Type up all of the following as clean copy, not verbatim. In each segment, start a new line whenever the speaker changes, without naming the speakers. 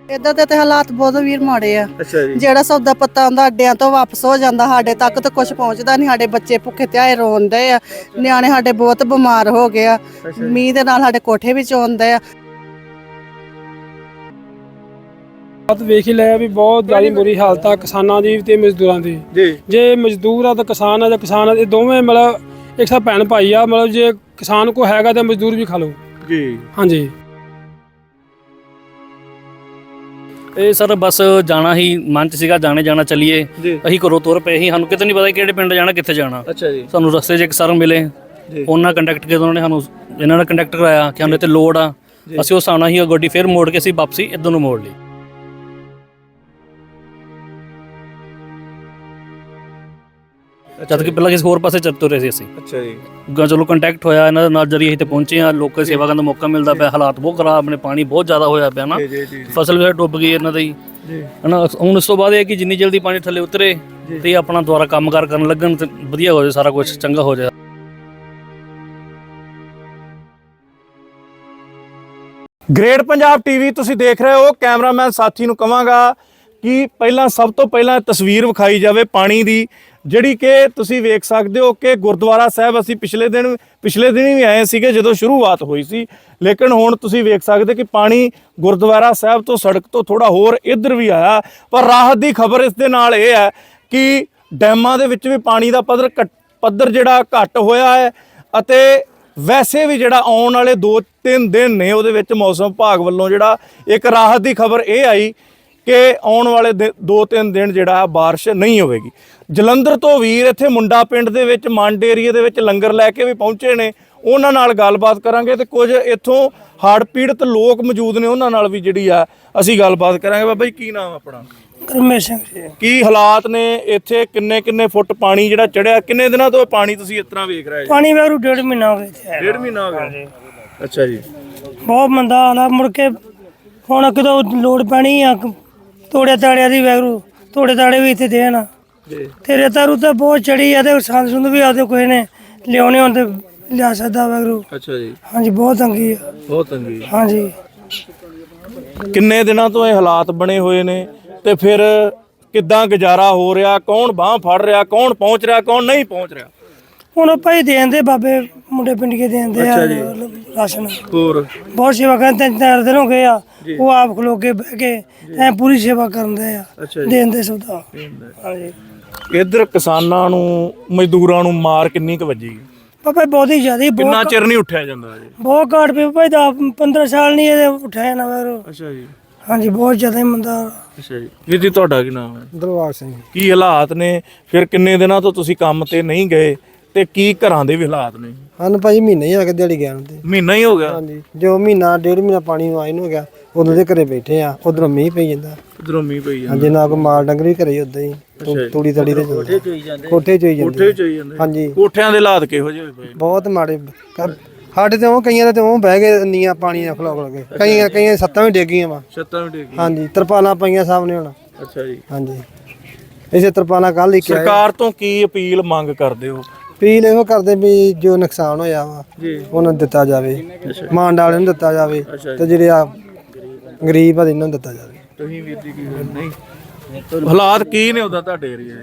ਇਦਾਂ ਦੇ ਤੇ ਹਾਲਾਤ ਬਹੁਤ ਵੀਰ ਮਾੜੇ ਆ।
ਅੱਛਾ ਜੀ।
ਜਿਹੜਾ ਸੌਦਾ ਪੱਤਾ ਆਉਂਦਾ ਅੱਡਿਆਂ ਤੋਂ ਵਾਪਸ ਹੋ ਜਾਂਦਾ, ਸਾਡੇ ਤੱਕ ਤਾਂ ਕੁਝ ਪਹੁੰਚਦਾ ਨਹੀਂ। ਸਾਡੇ ਬੱਚੇ ਭੁੱਖੇ ਧਿਆਏ ਰੋਂਦੇ ਆ, ਨਿਆਣੇ ਸਾਡੇ ਬਹੁਤ ਬਿਮਾਰ ਹੋ ਗਏ ਆ। ਮੀਂਹ ਦੇ ਨਾਲ ਸਾਡੇ ਕੋਠੇ ਵਿੱਚ ਆਉਂਦੇ ਆ।
ਬਾਤ ਵੇਖ ਹੀ ਲਿਆ ਵੀ ਬਹੁਤ ਜ਼ਿਆਦਾ ਬੁਰੀ ਹਾਲਤ ਆ ਕਿਸਾਨਾਂ ਦੀ ਤੇ ਮਜ਼ਦੂਰਾਂ ਦੀ
ਜੀ।
ਜੇ ਮਜ਼ਦੂਰ ਆ ਤਾਂ ਕਿਸਾਨ ਆ, ਜਾਂ ਕਿਸਾਨ ਆ, ਇਹ ਦੋਵੇਂ ਮਤਲਬ ਇੱਕ ਸਾਥ ਭੈਣ ਭਾਈ ਆ। ਮਤਲਬ ਜੇ ਕਿਸਾਨ ਕੋ ਹੈਗਾ ਤਾਂ ਮਜ਼ਦੂਰ ਵੀ ਖਾ ਲਓ
ਜੀ।
ਹਾਂਜੀ।
ਇਹ ਸਰ ਬਸ ਜਾਣਾ ਹੀ ਮਨ ਚ ਸੀਗਾ, ਜਾਣਾ ਚੱਲੀਏ। ਅਸੀਂ ਘਰੋਂ ਤੁਰ ਪਏ ਸੀ, ਸਾਨੂੰ ਕਿਤੇ ਨਹੀਂ ਪਤਾ ਕਿਹੜੇ ਪਿੰਡ ਜਾਣਾ, ਕਿੱਥੇ ਜਾਣਾ।
ਅੱਛਾ ਜੀ।
ਸਾਨੂੰ ਰਸਤੇ 'ਚ ਇੱਕ ਸਰ ਮਿਲੇ, ਉਹਨਾਂ ਕੰਟੈਕਟ ਕੀਤਾ, ਉਹਨਾਂ ਨੇ ਸਾਨੂੰ ਇਹਨਾਂ ਨਾਲ ਕੰਟੈਕਟ ਕਰਾਇਆ ਕਿ ਸਾਨੂੰ ਇੱਥੇ ਲੋੜ ਆ। ਅਸੀਂ ਉਸ ਆਉਣਾ ਸੀ, ਗੱਡੀ ਫਿਰ ਮੋੜ ਕੇ ਅਸੀਂ ਵਾਪਸੀ ਇੱਧਰ ਨੂੰ ਮੋੜ ਲਈ। ਜਦ ਕਿ ਪਹਿਲਾਂ ਕਿਸੇ ਹੋਰ ਪਾਸੇ ਚੱਲ ਤੁਰੇ ਸੀ ਅਸੀਂ।
ਅੱਛਾ ਜੀ।
ਚਲੋ ਕੰਟੈਕਟ ਹੋਇਆ ਇਹਨਾਂ ਦੇ ਨਾਲ, ਜਰੀਏ ਇੱਥੇ ਪਹੁੰਚੇ ਆ। ਲੋਕਾਂ ਦੀ ਸੇਵਾ ਕਰਨ ਦਾ ਮੌਕਾ ਮਿਲਦਾ ਪਿਆ। ਹਾਲਾਤ ਬਹੁਤ ਖਰਾਬ ਨੇ, ਪਾਣੀ ਬਹੁਤ ਜ਼ਿਆਦਾ ਹੋਇਆ ਪਿਆ ਨਾ, ਫਸਲ ਵੀ ਡੁੱਬ ਗਈ ਇਹਨਾਂ ਦੀ ਹਨਾ। ਹੁਣ ਇਸ ਤੋਂ ਬਾਅਦ ਇਹ ਕਿ ਜਿੰਨੀ ਜਲਦੀ ਪਾਣੀ ਥੱਲੇ ਉਤਰੇ ਤੇ ਆਪਣਾ ਦੁਬਾਰਾ ਕੰਮਕਾਰ ਕਰਨ ਲੱਗਣ ਤੇ ਵਧੀਆ ਹੋ ਜਾਏ, ਸਾਰਾ ਕੁਝ ਚੰਗਾ ਹੋ ਜਾਏ।
ਗ੍ਰੇਟ ਪੰਜਾਬ ਟੀਵੀ ਤੁਸੀਂ ਦੇਖ ਰਹੇ ਹੋ। ਕੈਮਰਾਮੈਨ ਸਾਥੀ ਨੂੰ ਕਹਾਂਗਾ ਕਿ ਸਭ ਤੋਂ ਪਹਿਲਾਂ ਤਸਵੀਰ ਵਿਖਾਈ ਜਾਵੇ ਪਾਣੀ ਦੀ, ਜਿਹੜੀ ਕਿ ਤੁਸੀਂ ਵੇਖ ਸਕਦੇ ਹੋ ਕਿ ਗੁਰਦੁਆਰਾ ਸਾਹਿਬ ਅਸੀਂ ਪਿਛਲੇ ਦਿਨ ਵੀ ਆਏ ਸੀਗੇ ਜਦੋਂ ਸ਼ੁਰੂਆਤ ਹੋਈ ਸੀ। ਲੇਕਿਨ ਹੁਣ ਤੁਸੀਂ ਵੇਖ ਸਕਦੇ ਕਿ ਪਾਣੀ ਗੁਰਦੁਆਰਾ ਸਾਹਿਬ ਤੋਂ ਸੜਕ ਤੋਂ ਥੋੜਾ ਹੋਰ ਇੱਧਰ ਵੀ ਆਇਆ। ਪਰ ਰਾਹਤ ਦੀ ਖਬਰ ਇਸ ਦੇ ਨਾਲ ਇਹ ਹੈ ਕਿ ਡੈਮਾਂ ਦੇ ਵਿੱਚ ਵੀ ਪਾਣੀ ਦਾ ਪੱਧਰ ਜਿਹੜਾ ਘੱਟ ਹੋਇਆ ਹੈ। ਅਤੇ ਵੈਸੇ ਵੀ ਜਿਹੜਾ ਆਉਣ ਵਾਲੇ 2-3 ਦਿਨ ਨੇ ਉਹਦੇ ਵਿੱਚ ਮੌਸਮ ਵਿਭਾਗ ਵੱਲੋਂ ਜਿਹੜਾ ਇੱਕ ਰਾਹਤ ਦੀ ਖਬਰ ਇਹ ਆਈ ਕਿ ਆਉਣ ਵਾਲੇ 2-3 ਦਿਨ ਜਿਹੜਾ ਬਾਰਿਸ਼ ਨਹੀਂ ਹੋਵੇਗੀ। ਜਲੰਧਰ ਤੋਂ ਵੀਰ ਇੱਥੇ ਮੁੰਡਾ ਪਿੰਡ ਦੇ ਵਿੱਚ ਮੰਡ ਏਰੀਏ ਦੇ ਵਿੱਚ ਲੰਗਰ ਲੈ ਕੇ ਵੀ ਪਹੁੰਚੇ ਨੇ, ਉਹਨਾਂ ਨਾਲ ਗੱਲਬਾਤ ਕਰਾਂਗੇ। ਤੇ ਕੁਝ ਇੱਥੋਂ ਹੜ੍ਹ ਪੀੜਤ ਲੋਕ ਮੌਜੂਦ ਨੇ, ਉਹਨਾਂ ਨਾਲ ਵੀ ਜਿਹੜੀ ਆ ਅਸੀਂ ਗੱਲਬਾਤ ਕਰਾਂਗੇ। ਬਾਬਾ ਜੀ ਕੀ ਨਾਮ ਆਪਣਾ?
ਕਰਮੇਸ਼ ਸਿੰਘ ਜੀ।
ਕੀ ਹਾਲਾਤ ਨੇ ਇੱਥੇ? ਕਿੰਨੇ ਫੁੱਟ ਪਾਣੀ ਜਿਹੜਾ ਚੜਿਆ? ਕਿੰਨੇ ਦਿਨਾਂ ਤੋਂ ਪਾਣੀ ਤੁਸੀਂ ਇਸ ਤਰ੍ਹਾਂ ਵੇਖ ਰਹੇ ਜੀ?
ਪਾਣੀ ਵੈਰੂ 1.5 ਮਹੀਨਾ ਹੋ ਗਿਆ।
1.5 ਮਹੀਨਾ ਹੋ ਗਿਆ। ਅੱਛਾ ਜੀ।
ਬਹੁਤ ਮੰਦਾ ਹਾਲ ਮੁੜ ਕੇ ਹੁਣ ਕਿਦੋਂ ਲੋੜ ਪੈਣੀ ਆ ਤੋੜੇ ਤਾੜਿਆਂ ਦੀ। ਵੈਰੂ ਤੋੜੇ ਤਾੜੇ ਵੀ ਇੱਥੇ ਦੇਣ ਤੇ ਰੇਤਾ ਰੂਤਾ ਬਹੁਤ ਚੜੀ ਆ ਤੇ ਸੰਦ ਸੁੰਦ ਵੀ ਆਦੇ ਕੋਈ ਨੇ ਲਿਆਉਣੇ ਹੁਣ ਤੇ ਲਿਆ ਸਕਦਾ ਵੈਰੂ।
ਅੱਛਾ ਜੀ।
ਹਾਂਜੀ ਬਹੁਤ ਤੰਗੀ ਆ,
ਬਹੁਤ ਤੰਗੀ।
ਹਾਂਜੀ।
ਕਿੰਨੇ ਦਿਨਾਂ ਤੋਂ ਇਹ ਹਾਲਾਤ ਬਣੇ ਹੋਏ ਨੇ ਤੇ ਫਿਰ ਕਿੱਦਾਂ ਗੁਜ਼ਾਰਾ ਹੋ ਰਿਹਾ? ਕੌਣ ਬਾਂਹ ਫੜ ਰਿਹਾ? ਕੌਣ ਪਹੁੰਚ ਰਿਹਾ? ਕੌਣ ਨਹੀਂ ਪਹੁੰਚ ਰਿਹਾ?
ਹੁਣ ਭਾਈ ਦੇਣ ਦੇ ਬਾਬੇ ਮੁੰਡੇ ਪਿੰਡੀਏ ਦੇਂਦੇ ਆ ਰਾਸ਼ਨ।
ਹੋਰ
ਬਹੁਤ ਸੇਵਾ ਕਰਦੇ, 3-4 ਦਿਨ ਹੋ ਗਏ ਆ। ਉਹ ਆਪ ਖਲੋ ਕੇ ਬਹਿ ਕੇ ਐ ਪੂਰੀ ਸੇਵਾ ਕਰਦੇ ਆ, ਦੇਣ ਦੇ ਸੌਦਾ। ਹਾਂਜੀ।
ਇੱਧਰ ਕਿਸਾਨਾਂ ਨੂੰ ਮਜ਼ਦੂਰਾਂ ਨੂੰ ਮਾਰ ਕਿੰਨੀ ਕੁ ਵੱਜੀ?
ਬਾਬਾ ਬਹੁਤ ਹੀ ਜ਼ਿਆਦਾ।
ਕਿੰਨਾ ਚਿਰ ਨਹੀਂ ਉੱਠਿਆ ਜਾਂਦਾ ਜੀ?
ਬਹੁਤ ਘਾਟ ਪਈ ਭਾਈ, 15 ਸਾਲ ਨਹੀਂ ਇਹ ਉੱਠਿਆ ਨਾ ਵੈਰੂ।
ਅੱਛਾ ਜੀ।
ਹਾਂਜੀ ਬਹੁਤ ਜ਼ਿਆਦਾ ਮੰਦਾ।
ਅੱਛਾ ਜੀ। ਵੀਰ ਜੀ ਤੁਹਾਡਾ ਕੀ ਨਾਮ ਹੈ?
ਦਲਵਾਰ ਸਿੰਘ।
ਕੀ ਹਾਲਾਤ ਨੇ ਫਿਰ? ਕਿੰਨੇ ਦਿਨਾਂ ਤੋਂ ਤੁਸੀਂ ਕੰਮ ਤੇ ਨਹੀਂ ਗਏ ਤੇ ਕੀ ਘਰਾਂ ਦੇ ਵੀ ਹਾਲਾਤ ਨੇ?
ਹਨ ਭਾਈ ਮਹੀਨਾ ਹੀ ਆ ਗਿਆ ਦਿਹਾੜੀ ਗਿਆ ਤੇ।
ਮਹੀਨਾ ਹੀ ਹੋ ਗਿਆ?
ਹਾਂਜੀ। ਜੋ ਮਹੀਨਾ 1.5 ਮਹੀਨਾ ਪਾਣੀ ਨੂੰ ਆਏ ਨੂੰ ਹੋ ਗਿਆ, ਉਦੋਂ ਦੇ ਘਰੇ ਬੈਠੇ ਆ। ਉਧਰੋਂ ਮੀਂਹ ਪਈ ਜਾਂਦਾ,
ਉਧਰੋਂ ਮੀਂਹ ਪਈ ਜਾਂਦਾ।
ਹਾਂਜੀ। ਨਾ ਕੋਈ ਮਾਲ ਡੰਗਰ ਵੀ ਘਰੇ ਉਦਾਂ ਹੀ ਤੂੜੀ ਤੜੀ ਤੇ ਕੋਠੇ ਚੋਈ ਜਾਂਦੇ।
ਕੋਠੇ ਚੋਈ ਜਾਂਦੇ।
ਹਾਂਜੀ।
ਕੋਠਿਆਂ ਦੇ ਹਾਲਾਤ ਕਿਹੋ ਜਿਹੇ ਹੋਏ ਪਏ?
ਬਹੁਤ ਮਾੜੇ। ਸਾਡੇ ਤੇ ਉਹ ਕਈਆਂ ਦੇ ਉਹ ਬਹਿ ਗਏ ਨੀਆਂ ਪਾਣੀ ਨਾਲ ਖਲੋ ਕੇ, ਕਈਆਂ ਛੱਤਾਂ ਵੀ ਡਿੱਗ ਗਈਆਂ ਵਾ।
ਛੱਤਾਂ ਵੀ ਡਿੱਗ ਗਈਆਂ।
ਹਾਂਜੀ। ਤਰਪਾਲਾਂ ਪਈਆਂ ਸਾਹਮਣੇ ਹੁਣ।
ਅੱਛਾ ਜੀ।
ਹਾਂਜੀ। ਇਸੇ ਤਰਪਾਲਾਂ ਕੱਲ ਹੀ ਕਿਹਾ।
ਸਰਕਾਰ ਤੋਂ ਕੀ ਅਪੀਲ ਮੰਗ ਕਰਦੇ ਹੋ?
ਅਪੀਲ ਇਹੋ ਕਰਦੇ ਵੀ ਜੋ ਨੁਕਸਾਨ ਹੋਇਆ ਵਾ ਉਹਨਾਂ ਨੂੰ ਦਿੱਤਾ ਜਾਵੇ, ਮਾਂਡ ਵਾਲਿਆਂ ਨੂੰ ਦਿੱਤਾ ਜਾਵੇ, ਤੇ ਜਿਹੜੇ ਆ ਗਰੀਬ ਆ ਇਹਨਾਂ ਨੂੰ ਦਿੱਤਾ ਜਾਵੇ।
ਤੁਸੀਂ ਵੀਰ ਜੀ ਕੀ ਨਹੀਂ ਹਾਲਾਤ ਕੀ ਨੇ ਉਹਦਾ ਤੁਹਾਡੇ ਏਰੀਏ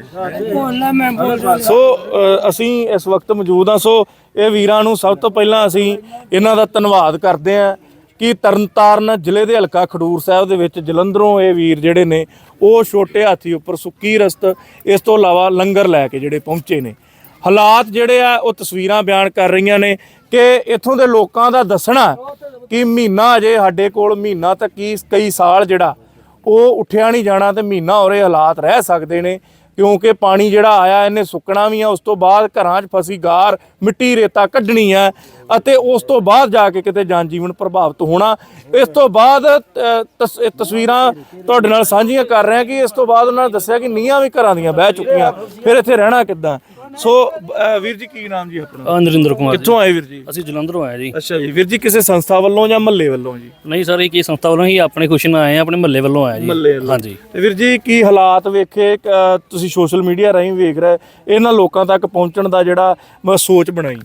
ਦੇ? ਸੋ ਅਸੀਂ ਇਸ ਵਕਤ ਮੌਜੂਦ ਹਾਂ। ਸੋ ਇਹ ਵੀਰਾਂ ਨੂੰ ਸਭ ਤੋਂ ਪਹਿਲਾਂ ਅਸੀਂ ਇਹਨਾਂ ਦਾ ਧੰਨਵਾਦ ਕਰਦੇ ਹਾਂ ਕਿ ਤਰਨਤਾਰਨ ਜ਼ਿਲ੍ਹੇ ਦੇ ਹਲਕਾ ਖਡੂਰ ਸਾਹਿਬ ਦੇ ਵਿੱਚ ਜਲੰਧਰੋਂ ਇਹ ਵੀਰ ਜਿਹੜੇ ਨੇ ਉਹ ਛੋਟੇ ਹਾਥੀ ਉੱਪਰ ਸੁੱਕੀ ਰਸਤ, ਇਸ ਤੋਂ ਇਲਾਵਾ ਲੰਗਰ ਲੈ ਕੇ ਜਿਹੜੇ ਪਹੁੰਚੇ ਨੇ। ਹਾਲਾਤ ਜਿਹੜੇ ਆ ਉਹ ਤਸਵੀਰਾਂ ਬਿਆਨ ਕਰ ਰਹੀਆਂ ਨੇ ਕਿ ਇੱਥੋਂ ਦੇ ਲੋਕਾਂ ਦਾ ਦੱਸਣਾ ਕਿ ਮਹੀਨਾ ਅਜੇ ਸਾਡੇ ਕੋਲ, ਮਹੀਨਾ ਤੱਕ ਕਈ ਸਾਲ ਜਿਹੜਾ ਉਹ ਉੱਠਿਆ ਨਹੀਂ ਜਾਣਾ ਤੇ ਮਹੀਨਾ ਹੋਰੇ ਹਾਲਾਤ ਰਹਿ ਸਕਦੇ ਨੇ। ਕਿਉਂਕਿ ਪਾਣੀ ਜਿਹੜਾ ਆਇਆ ਇਹਨੇ ਸੁੱਕਣਾ ਵੀ ਆ, ਉਸ ਤੋਂ ਬਾਅਦ ਘਰਾਂ 'ਚ ਫਸੀ ਗਾਰ ਮਿੱਟੀ ਰੇਤਾ ਕੱਢਣੀ ਆ ਅਤੇ ਉਸ ਤੋਂ ਬਾਅਦ ਜਾ ਕੇ ਕਿਤੇ ਜਨ ਜੀਵਨ ਪ੍ਰਭਾਵਿਤ ਹੋਣਾ। ਇਸ ਤੋਂ ਬਾਅਦ ਤਸਵੀਰਾਂ ਤੁਹਾਡੇ ਨਾਲ ਸਾਂਝੀਆਂ ਕਰ ਰਹੇ ਹਾਂ ਕਿ ਇਸ ਤੋਂ ਬਾਅਦ ਉਹਨਾਂ ਨੇ ਦੱਸਿਆ ਕਿ ਨੀਹਾਂ ਵੀ ਘਰਾਂ ਦੀਆਂ ਬਹਿ ਚੁੱਕੀਆਂ, ਫਿਰ ਇੱਥੇ ਰਹਿਣਾ ਕਿੱਦਾਂ? ਸੋ ਵੀਰ ਜੀ ਕੀ ਨਾਮ ਜੀ ਆਪਣਾ?
ਨਰਿੰਦਰ ਕੁਮਾਰ।
ਕਿੱਥੋਂ ਆਏ ਵੀਰ ਜੀ?
ਅਸੀਂ ਜਲੰਧਰੋਂ ਆਏ ਜੀ।
ਅੱਛਾ ਜੀ। ਵੀਰ ਜੀ ਕਿਸੇ ਸੰਸਥਾ ਵੱਲੋਂ ਜਾਂ ਮਹੱਲੇ ਵੱਲੋਂ ਜੀ?
ਨਹੀਂ ਸਰ, ਇਹ ਕੀ ਸੰਸਥਾ ਵੱਲੋਂ ਹੀ ਆਪਣੇ ਖੁਸ਼ੀ ਨਾਲ ਆਏ ਆ, ਆਪਣੇ ਮਹੱਲੇ ਵੱਲੋਂ ਆਏ ਜੀ। ਹਾਂਜੀ।
ਤੇ ਵੀਰ ਜੀ ਕੀ ਹਾਲਾਤ ਵੇਖੇ? ਤੁਸੀਂ ਸੋਸ਼ਲ ਮੀਡੀਆ ਰਾਹੀਂ ਵੇਖ ਰਹੇ, ਇਹਨਾਂ ਲੋਕਾਂ ਤੱਕ ਪਹੁੰਚਣ ਦਾ ਜਿਹੜਾ ਸੋਚ ਬਣਾਈ?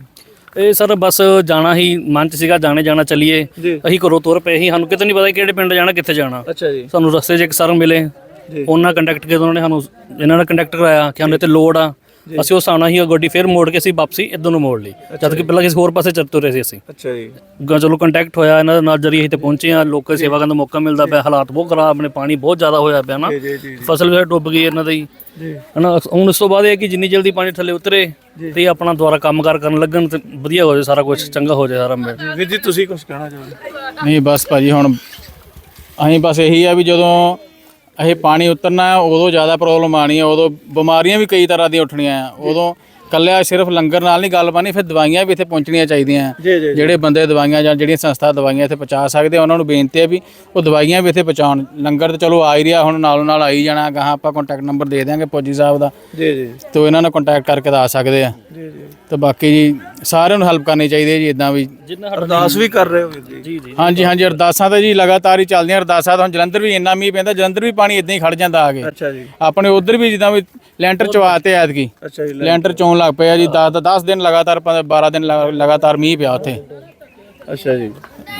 ਇਹ ਸਰ ਬਸ ਜਾਣਾ ਹੀ ਮਨ ਚ ਸੀਗਾ, ਜਾਣਾ ਚੱਲੀਏ। ਅਸੀਂ ਘਰੋਂ ਤੁਰ ਪਏ ਸੀ, ਸਾਨੂੰ ਕਿਤੇ ਨਹੀਂ ਪਤਾ ਕਿਹੜੇ ਪਿੰਡ ਜਾਣਾ, ਕਿੱਥੇ ਜਾਣਾ।
ਅੱਛਾ ਜੀ।
ਸਾਨੂੰ ਰਸਤੇ 'ਚ ਇੱਕ ਸਰ ਮਿਲੇ, ਉਹਨਾਂ ਕੰਟੈਕਟ ਕੀਤਾ, ਉਹਨਾਂ ਨੇ ਸਾਨੂੰ ਇਹਨਾਂ ਨਾਲ ਕੰਟੈਕਟ ਕਰਾਇਆ ਕਿ ਸਾਨੂੰ ਇੱਥੇ ਲੋੜ ਆ। ਅਸੀਂ ਉਸ ਹਿਸਾਬ ਨਾਲ ਹੀ ਗੱਡੀ ਫੇਰ ਮੋੜ ਕੇ ਅਸੀਂ ਵਾਪਸੀ ਇੱਧਰ ਨੂੰ ਮੋੜ ਲਈ, ਜਦ ਕਿ ਪਹਿਲਾਂ ਕਿਸੇ ਹੋਰ ਪਾਸੇ ਚੱਲ ਤੁਰੇ ਸੀ ਅਸੀਂ।
ਅੱਛਾ ਜੀ।
ਚਲੋ ਕੰਟੈਕਟ ਹੋਇਆ ਇਹਨਾਂ ਦੇ ਨਾਲ, ਜਰੀਏ ਅਸੀਂ ਤੇ ਪਹੁੰਚੇ ਆ। ਲੋਕਾਂ ਦੀ ਸੇਵਾ ਕਰਨ ਦਾ ਮੌਕਾ ਮਿਲਦਾ ਪਿਆ। ਹਾਲਾਤ ਬਹੁਤ ਖਰਾਬ, ਆਪਣੇ ਪਾਣੀ ਬਹੁਤ ਜ਼ਿਆਦਾ ਹੋਇਆ ਪਿਆ ਨਾ, ਫਸਲ ਵੀ ਡੁੱਬ ਗਈ ਇਹਨਾਂ ਦੀ ਹਨਾ। ਹੁਣ ਇਸ ਤੋਂ ਬਾਅਦ ਇਹ ਕਿ ਜਿੰਨੀ ਜਲਦੀ ਪਾਣੀ ਥੱਲੇ ਉਤਰੇ ਤੇ ਆਪਣਾ ਦੁਬਾਰਾ ਕੰਮਕਾਰ ਕਰਨ ਲੱਗਣ ਤੇ ਵਧੀਆ ਹੋ ਜਾਏ, ਸਾਰਾ ਕੁਝ ਚੰਗਾ ਹੋ ਜਾਏ ਸਾਰਾ।
ਵੀਰ ਜੀ ਤੁਸੀਂ ਕੁਝ ਕਹਿਣਾ ਚਾਹੋਗੇ?
ਨਹੀਂ ਬਸ ਭਾਜੀ, ਹੁਣ ਅਸੀਂ ਬਸ ਇਹੀ ਆ ਵੀ ਜਦੋਂ ਇਹ ਪਾਣੀ ਉਤਰਨਾ ਉਦੋਂ ਜ਼ਿਆਦਾ ਪ੍ਰੋਬਲਮ ਆਣੀ ਆ, ਉਦੋਂ ਬਿਮਾਰੀਆਂ ਵੀ ਕਈ ਤਰ੍ਹਾਂ ਦੀਆਂ ਉੱਠਣੀਆਂ ਆ। ਉਦੋਂ ਕੱਲਿਆ ਸਿਰਫ ਲੰਗਰ ਨਾਲ ਨਹੀਂ ਗੱਲ ਪਾਣੀ, ਫਿਰ ਦਵਾਈਆਂ ਵੀ ਇੱਥੇ ਪਹੁੰਚਣੀਆਂ ਚਾਹੀਦੀਆਂ। ਜਿਹੜੇ ਬੰਦੇ ਦਵਾਈਆਂ ਜਾਂ ਜਿਹੜੀਆਂ ਸੰਸਥਾ ਦਵਾਈਆਂ ਇੱਥੇ ਪਹੁੰਚਾ ਸਕਦੇ, ਉਹਨਾਂ ਨੂੰ ਬੇਨਤੀ ਹੈ ਵੀ ਉਹ ਦਵਾਈਆਂ ਵੀ ਇੱਥੇ ਪਹੁੰਚਾਉਣ। ਲੰਗਰ ਤਾਂ ਚਲੋ ਆ ਹੀ ਰਿਹਾ, ਹੁਣ ਨਾਲੋਂ ਨਾਲ ਆਈ ਜਾਣਾ। ਗਾਹਾਂ ਆਪਾਂ ਕੰਟੈਕਟ ਨੰਬਰ ਦੇ ਦਿਆਂਗੇ ਫੌਜੀ ਸਾਹਿਬ ਦਾ, ਤੇ ਇਹਨਾਂ ਨਾਲ ਕੰਟੈਕਟ ਕਰਕੇ ਤਾਂ ਆ ਸਕਦੇ ਆ। ਤੇ ਬਾਕੀ ਜੀ ਸਾਰਿਆਂ ਨੂੰ ਹੈਲਪ ਕਰਨੀ ਚਾਹੀਦੀ ਹੈ ਜੀ, ਇਦਾਂ ਵੀ
ਅਰਦਾਸ ਵੀ ਕਰ ਰਹੇ ਹੋ ਵੀਰ ਜੀ?
ਹਾਂਜੀ ਹਾਂਜੀ, ਅਰਦਾਸਾਂ ਤਾਂ ਜੀ ਲਗਾਤਾਰ ਹੀ ਚੱਲਦੀਆਂ ਅਰਦਾਸਾਂ। ਤਾਂ ਹੁਣ ਜਲੰਧਰ ਵੀ ਇੰਨਾ ਮੀਂਹ ਪੈਂਦਾ, ਜਲੰਧਰ ਵੀ ਪਾਣੀ ਇਦਾਂ ਹੀ ਖੜ ਜਾਂਦਾ ਆ ਕੇ।
ਅੱਛਾ ਜੀ।
ਆਪਣੇ ਉਧਰ ਵੀ ਜਿੱਦਾਂ ਵੀ ਲੈਂਟਰ ਚਵਾਤੇ ਐਤਕੀ।
ਅੱਛਾ ਜੀ।
ਲੈਂਟਰ ਚੋਣ ਲੱਗ ਪਿਆ ਜੀ, 10 ਦਿਨ ਲਗਾਤਾਰ 12 ਦਿਨ ਲਗਾਤਾਰ ਮੀਂਹ ਪਿਆ ਉੱਥੇ।
ਅੱਛਾ ਜੀ।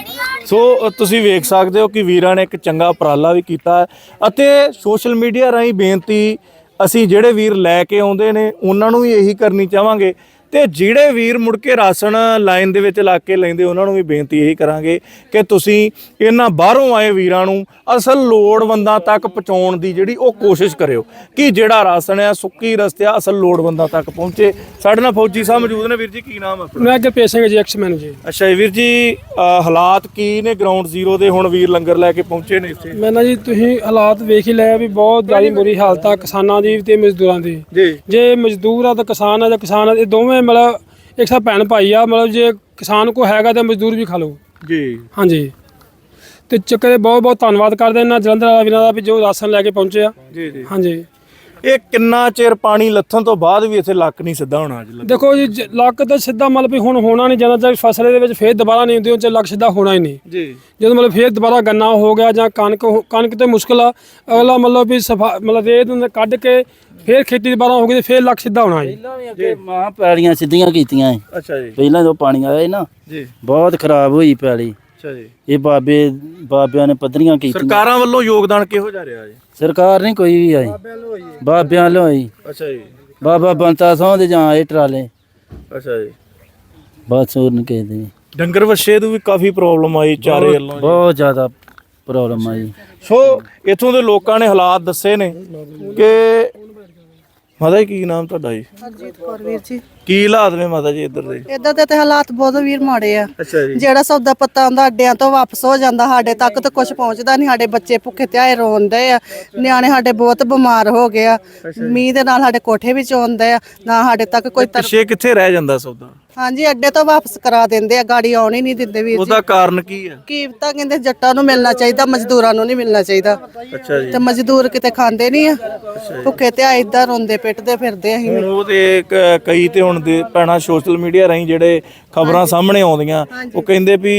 ਸੋ ਤੁਸੀਂ ਵੇਖ ਸਕਦੇ ਹੋ ਕਿ ਵੀਰਾਂ ਨੇ ਇੱਕ ਚੰਗਾ ਉਪਰਾਲਾ ਵੀ ਕੀਤਾ ਹੈ, ਅਤੇ ਸੋਸ਼ਲ ਮੀਡੀਆ ਰਾਹੀਂ ਬੇਨਤੀ ਅਸੀਂ ਜਿਹੜੇ ਵੀਰ ਲੈ ਕੇ ਆਉਂਦੇ ਨੇ ਉਹਨਾਂ ਨੂੰ ਵੀ ਇਹੀ ਕਰਨੀ ਚਾਹਾਂਗੇ, ਤੇ ਜਿਹੜੇ ਵੀਰ ਮੁੜ ਕੇ ਰਾਸ਼ਨ ਲਾਈਨ ਦੇ ਵਿੱਚ ਲਾ ਕੇ ਲੈਂਦੇ ਉਹਨਾਂ ਨੂੰ ਵੀ ਬੇਨਤੀ ਇਹੀ ਕਰਾਂਗੇ ਕਿ ਤੁਸੀਂ ਇਹਨਾਂ ਬਾਹਰੋਂ ਆਏ ਵੀਰਾਂ ਨੂੰ ਅਸਲ ਲੋੜਵੰਦਾਂ ਤੱਕ ਪਹੁੰਚਾਉਣ ਦੀ ਜਿਹੜੀ ਉਹ ਕੋਸ਼ਿਸ਼ ਕਰਿਓ, ਕਿ ਜਿਹੜਾ ਰਾਸ਼ਨ ਆ ਸੁੱਕੀ ਰਸਤਿਆ ਅਸਲ ਲੋੜਵੰਦਾਂ ਤੱਕ ਪਹੁੰਚੇ। ਸਾਡੇ ਨਾਲ ਫੌਜੀ ਸਾਹਿਬ ਮੌਜੂਦ ਨੇ। ਵੀਰ ਜੀ ਕੀ ਨਾਮ ਹੈ?
ਮੈਂ ਅੱਗੇ ਪੇਸ਼ਾਂਗੇ ਜੀ, ਐਕਸਮੈਨ ਜੀ।
ਅੱਛਾ ਜੀ। ਵੀਰ ਜੀ ਹਾਲਾਤ ਕੀ ਨੇ ਗਰਾਊਂਡ ਜ਼ੀਰੋ ਦੇ, ਹੁਣ ਵੀਰ ਲੰਗਰ ਲੈ ਕੇ ਪਹੁੰਚੇ ਨੇ ਇੱਥੇ?
ਮੈਂ ਨਾ ਜੀ, ਤੁਸੀਂ ਹਾਲਾਤ ਵੇਖ ਹੀ ਲਿਆ ਵੀ ਬਹੁਤ ਜ਼ਿਆਦਾ ਬੁਰੀ ਹਾਲਤ ਆ ਕਿਸਾਨਾਂ ਦੀ ਤੇ ਮਜ਼ਦੂਰਾਂ ਦੀ। ਜੇ ਮਜ਼ਦੂਰ ਆ ਤਾਂ ਕਿਸਾਨ ਆ, ਜਾਂ ਕਿਸਾਨ ਆ, ਇਹ ਦੋਵੇਂ ਮਤਲਬ ਇੱਕ ਸਾ ਭੈਣ ਭਾਈ ਆ। ਮਤਲਬ ਜੇ ਕਿਸਾਨ ਕੋ ਹੈਗਾ ਤਾਂ ਮਜ਼ਦੂਰ ਵੀ ਖਾ ਲਓ
ਜੀ।
ਹਾਂਜੀ। ਤੇ ਚੱਕਰ ਬਹੁਤ ਬਹੁਤ ਧੰਨਵਾਦ ਕਰਦੇ ਇਹਨਾਂ ਜਲੰਧਰ ਵਾਲਾ ਵੀਰਾਂ ਦਾ ਵੀ ਜੋ ਰਾਸ਼ਨ ਲੈ ਕੇ ਪਹੁੰਚੇ ਆ।
ਜੀ ਜੀ।
ਹਾਂਜੀ।
ਇਹ ਕਿੰਨਾ ਚਿਰ ਪਾਣੀ ਲੱਥਣ ਤੋਂ ਬਾਅਦ ਵੀ ਇੱਥੇ ਲੱਕ ਨਹੀਂ ਸਿੱਧਾ ਹੋਣਾ? ਅੱਜ
ਦੇਖੋ ਜੀ, ਲੱਕ ਤਾਂ ਸਿੱਧਾ ਮਤਲਬ ਵੀ ਹੁਣ ਹੋਣਾ ਨਹੀਂ, ਜਦੋਂ ਤੱਕ ਫਸਲ ਦੇ ਵਿੱਚ ਫੇਰ ਦੁਬਾਰਾ ਨਹੀਂ ਹੁੰਦੀ ਉਹ 'ਚ ਲੱਕ ਸਿੱਧਾ ਹੋਣਾ ਹੀ ਨਹੀਂ
ਜੀ।
ਜਦੋਂ ਮਤਲਬ ਫੇਰ ਦੁਬਾਰਾ ਗੰਨਾ ਹੋ ਗਿਆ ਜਾਂ ਕਣਕ ਤੇ ਮੁਸ਼ਕਲ ਆ। ਅਗਲਾ ਮਤਲਬ ਵੀ ਮਤਲਬ ਰੇਤ ਨੂੰ ਕੱਢ ਕੇ ਫੇਰ ਖੇਤੀ ਦੁਬਾਰਾ ਹੋ ਗਈ ਤੇ ਫੇਰ ਲੱਕ ਸਿੱਧਾ ਹੋਣਾ ਜੀ।
ਅੱਗੇ ਮਾਂ ਪੈਲੀਆਂ ਸਿੱਧੀਆਂ ਕੀਤੀਆਂ ਏ।
ਅੱਛਾ ਜੀ।
ਪਹਿਲਾਂ ਜਦੋਂ ਪਾਣੀ ਆਇਆ ਨਾ
ਜੀ,
ਬਹੁਤ ਖਰਾਬ ਹੋਈ ਪੈਲੀ।
ਅੱਛਾ ਜੀ।
ਇਹ ਬਾਬਿਆਂ ਨੇ ਪੱਧਰੀਆਂ ਕੀਤੀਆਂ।
ਸਰਕਾਰਾਂ ਵੱਲੋਂ ਯੋਗਦਾਨ ਕਿਹੋ ਜਿਹਾ ਰਿਹਾ ਜੀ?
ਸਰਕਾਰ ਨਹੀਂ ਕੋਈ ਵੀ ਆਈ, ਬਾਬਿਆਂ ਵੱਲੋਂ ਆਈ।
ਅੱਛਾ ਜੀ।
ਬਾਬਾ ਬੰਤਾ ਸਹੁੰ ਦੇ ਜਾਂ ਇਹ ਟਰਾਲੇ,
ਅੱਛਾ ਜੀ।
ਬਸ ਹੋਰ ਨਹੀਂ ਕਹਿੰਦੇ।
ਡੰਗਰ ਵੱਛੇ ਨੂੰ ਵੀ ਕਾਫੀ ਪ੍ਰੋਬਲਮ ਆਈ ਚਾਰੇ ਵੱਲੋਂ।
ਬਹੁਤ ਜ਼ਿਆਦਾ ਪ੍ਰੋਬਲਮ ਆਈ।
ਸੋ ਇੱਥੋਂ ਦੇ ਲੋਕਾਂ ਨੇ ਹਾਲਾਤ ਦੱਸੇ ਨੇ ਕਿ ਮਾਤਾ ਜੀ ਕੀ ਨਾਮ ਤੁਹਾਡਾ ਜੀ?
ਹਰਜੀਤ ਕੌਰ ਵੀਰ ਜੀ।
ਕੀ ਹਾਲਾਤ ਨੇ ਮਾਤਾ ਜੀ ਇੱਧਰ ਦੇ?
ਇਦਾਂ ਦੇ ਤੇ ਹਾਲਾਤ ਬਹੁਤ ਵੀਰ ਮਾੜੇ ਆ।
ਅੱਛਾ ਜੀ।
ਜਿਹੜਾ ਸੌਦਾ ਪੱਤਾ ਆਉਂਦਾ ਅੱਡਿਆਂ ਤੋਂ ਵਾਪਸ ਹੋ ਜਾਂਦਾ, ਸਾਡੇ ਤੱਕ ਤਾਂ ਕੁਝ ਪਹੁੰਚਦਾ ਨਹੀਂ। ਸਾਡੇ ਬੱਚੇ ਭੁੱਖੇ ਧਿਆਏ ਰੋਂਦੇ ਆ, ਨਿਆਣੇ ਸਾਡੇ ਬਹੁਤ ਬਿਮਾਰ ਹੋ ਗਏ ਆ। ਮੀਂਹ ਦੇ ਨਾਲ ਸਾਡੇ ਕੋਠੇ ਵਿੱਚ ਆਉਂਦੇ ਆ, ਨਾ ਸਾਡੇ ਤੱਕ ਕੋਈ
ਪਿੱਛੇ ਕਿੱਥੇ ਰਹਿ ਜਾਂਦਾ ਸੌਦਾ?
ਹਾਂਜੀ, ਅੱਡੇ ਤੋਂ ਵਾਪਸ ਕਰਾ ਦਿੰਦੇ ਆ, ਗਾੜੀ ਆਉਣ ਹੀ ਨਹੀਂ ਦਿੰਦੇ ਵੀਰ ਜੀ।
ਉਹਦਾ ਕਾਰਨ ਕੀ ਹੈ?
ਕੀ ਪਤਾ, ਕਹਿੰਦੇ ਜੱਟਾਂ ਨੂੰ ਮਿਲਣਾ ਚਾਹੀਦਾ, ਮਜ਼ਦੂਰਾਂ ਨੂੰ ਨਹੀਂ ਮਿਲਣਾ ਚਾਹੀਦਾ।
ਅੱਛਾ ਜੀ।
ਤੇ ਮਜ਼ਦੂਰ ਕਿਤੇ ਖਾਂਦੇ ਨਹੀਂ ਆ, ਭੁੱਖੇ ਧਿਆਏ ਇਦਾਂ ਰੋਂਦੇ ਪਿੱਟਦੇ ਫਿਰਦੇ ਅਸੀਂ।
ਹੁਣ ਉਹ ਤੇ ਕਈ ਤੇ ਹੁਣ ਦੇ ਪੈਣਾ ਸੋਸ਼ਲ ਮੀਡੀਆ ਰਾਹੀਂ ਜਿਹੜੇ ਖਬਰਾਂ ਸਾਹਮਣੇ ਆਉਂਦੀਆਂ, ਉਹ ਕਹਿੰਦੇ ਵੀ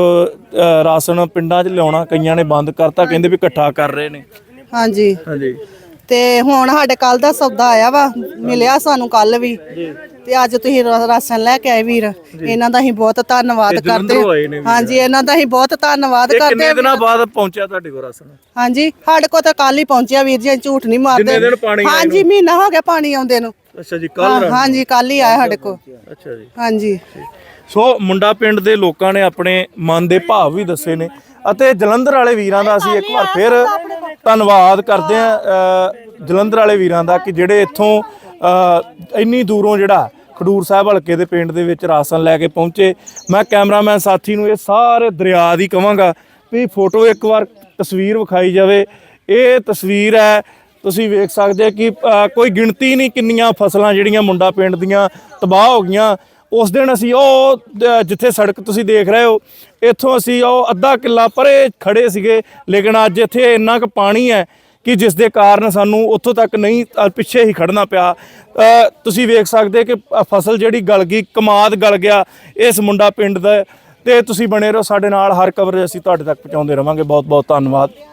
ਰਾਸ਼ਨ ਪਿੰਡਾਂ 'ਚ ਲਿਆਉਣਾ ਕਈਆਂ ਨੇ ਬੰਦ ਕਰਤਾ, ਕਹਿੰਦੇ ਵੀ ਇਕੱਠਾ ਕਰ ਰਹੇ ਨੇ।
ਹਾਂਜੀ
ਹਾਂਜੀ।
ਤੇ ਹੁਣ ਸਾਡੇ ਕੱਲ ਦਾ ਸੌਦਾ ਆਇਆ ਵਾ, ਮਿਲਿਆ ਸਾਨੂੰ ਕੱਲ ਵੀ। ਤੇ ਅੱਜ ਤੁਸੀਂ ਰਾਸ਼ਨ ਲੈ ਕੇ ਆਏ ਵੀਰ, ਇਹਨਾਂ ਦਾ ਅਸੀਂ ਬਹੁਤ ਧੰਨਵਾਦ ਕਰਦੇ ਹਾਂ। ਹਾਂਜੀ, ਇਹਨਾਂ ਦਾ ਅਸੀਂ ਬਹੁਤ ਧੰਨਵਾਦ ਕਰਦੇ
ਕਿੰਨੇ ਦਿਨਾਂ ਬਾਅਦ ਪਹੁੰਚਿਆ ਤੁਹਾਡੇ ਕੋਲ ਰਾਸ਼ਨ?
ਹਾਂਜੀ, ਸਾਡੇ ਕੋਲ ਤਾਂ ਕੱਲ ਹੀ ਪਹੁੰਚਿਆ ਵੀਰ ਜੀ, ਝੂਠ ਨਹੀਂ ਮਾਰਦੇ। ਹਾਂਜੀ, ਮਹੀਨਾ ਹੋ ਗਿਆ ਪਾਣੀ ਆਉਂਦੇ ਨੂੰ।
ਅੱਛਾ ਜੀ। ਕੱਲ?
ਹਾਂਜੀ, ਕੱਲ ਹੀ ਆਇਆ ਸਾਡੇ ਕੋਲ।
ਅੱਛਾ ਜੀ।
ਹਾਂਜੀ।
ਸੋ ਮੁੰਡਾ ਪਿੰਡ ਦੇ ਲੋਕਾਂ ਨੇ ਆਪਣੇ ਮਨ ਦੇ ਭਾਵ ਵੀ ਦੱਸੇ ਨੇ, ਅਤੇ ਜਲੰਧਰ ਵਾਲੇ ਵੀਰਾਂ ਦਾ ਅਸੀਂ ਇੱਕ ਵਾਰ ਫਿਰ ਧੰਨਵਾਦ ਕਰਦੇ ਹਾਂ ਜਲੰਧਰ ਵਾਲੇ ਵੀਰਾਂ ਦਾ, ਕਿ ਜਿਹੜੇ ਇੱਥੋਂ ਇੰਨੀ ਦੂਰੋਂ ਜਿਹੜਾ ਖਡੂਰ ਸਾਹਿਬ ਹਲਕੇ ਦੇ ਪਿੰਡ ਦੇ ਵਿੱਚ ਰਾਸ਼ਨ ਲੈ ਕੇ ਪਹੁੰਚੇ। ਮੈਂ ਕੈਮਰਾਮੈਨ ਸਾਥੀ ਨੂੰ ਇਹ ਸਾਰੇ ਦਰਿਆ ਦੀ ਕਹਾਂਗਾ ਵੀ ਫੋਟੋ ਇੱਕ ਵਾਰ ਤਸਵੀਰ ਵਿਖਾਈ ਜਾਵੇ। ਇਹ ਤਸਵੀਰ ਹੈ, ਤੁਸੀਂ ਵੇਖ ਸਕਦੇ ਕਿ ਕੋਈ ਗਿਣਤੀ ਨਹੀਂ ਕਿੰਨੀਆਂ ਫਸਲਾਂ ਜਿਹੜੀਆਂ ਮੁੰਡਾ ਪਿੰਡ ਦੀਆਂ ਤਬਾਹ ਹੋ ਗਈਆਂ। ਉਸ ਦਿਨ ਅਸੀਂ ਉਹ ਜਿੱਥੇ ਸੜਕ ਤੁਸੀਂ ਦੇਖ ਰਹੇ ਹੋ, ਇੱਥੋਂ ਅਸੀਂ ਉਹ ਅੱਧਾ ਕਿੱਲਾ ਪਰੇ ਖੜੇ ਸੀਗੇ, ਲੇਕਿਨ ਅੱਜ ਇੱਥੇ ਇੰਨਾ ਕੁ ਪਾਣੀ ਹੈ ਕਿ ਜਿਸ ਦੇ ਕਾਰਨ ਸਾਨੂੰ ਉੱਥੋਂ ਤੱਕ ਨਹੀਂ, ਪਿੱਛੇ ਹੀ ਖੜਨਾ ਪਿਆ। ਤੁਸੀਂ ਵੇਖ ਸਕਦੇ ਕਿ ਫਸਲ ਜਿਹੜੀ ਗਲ ਗਈ, ਕਮਾਦ ਗਲ ਗਿਆ ਇਸ ਮੁੰਡਾ ਪਿੰਡ ਦਾ। ਤੇ ਤੁਸੀਂ ਬਣੇ ਰਹੋ ਸਾਡੇ ਨਾਲ, ਹਰ ਖਬਰ ਅਸੀਂ ਤੁਹਾਡੇ ਤੱਕ ਪਹੁੰਚਾਉਂਦੇ ਰਵਾਂਗੇ। ਬਹੁਤ ਬਹੁਤ ਧੰਨਵਾਦ।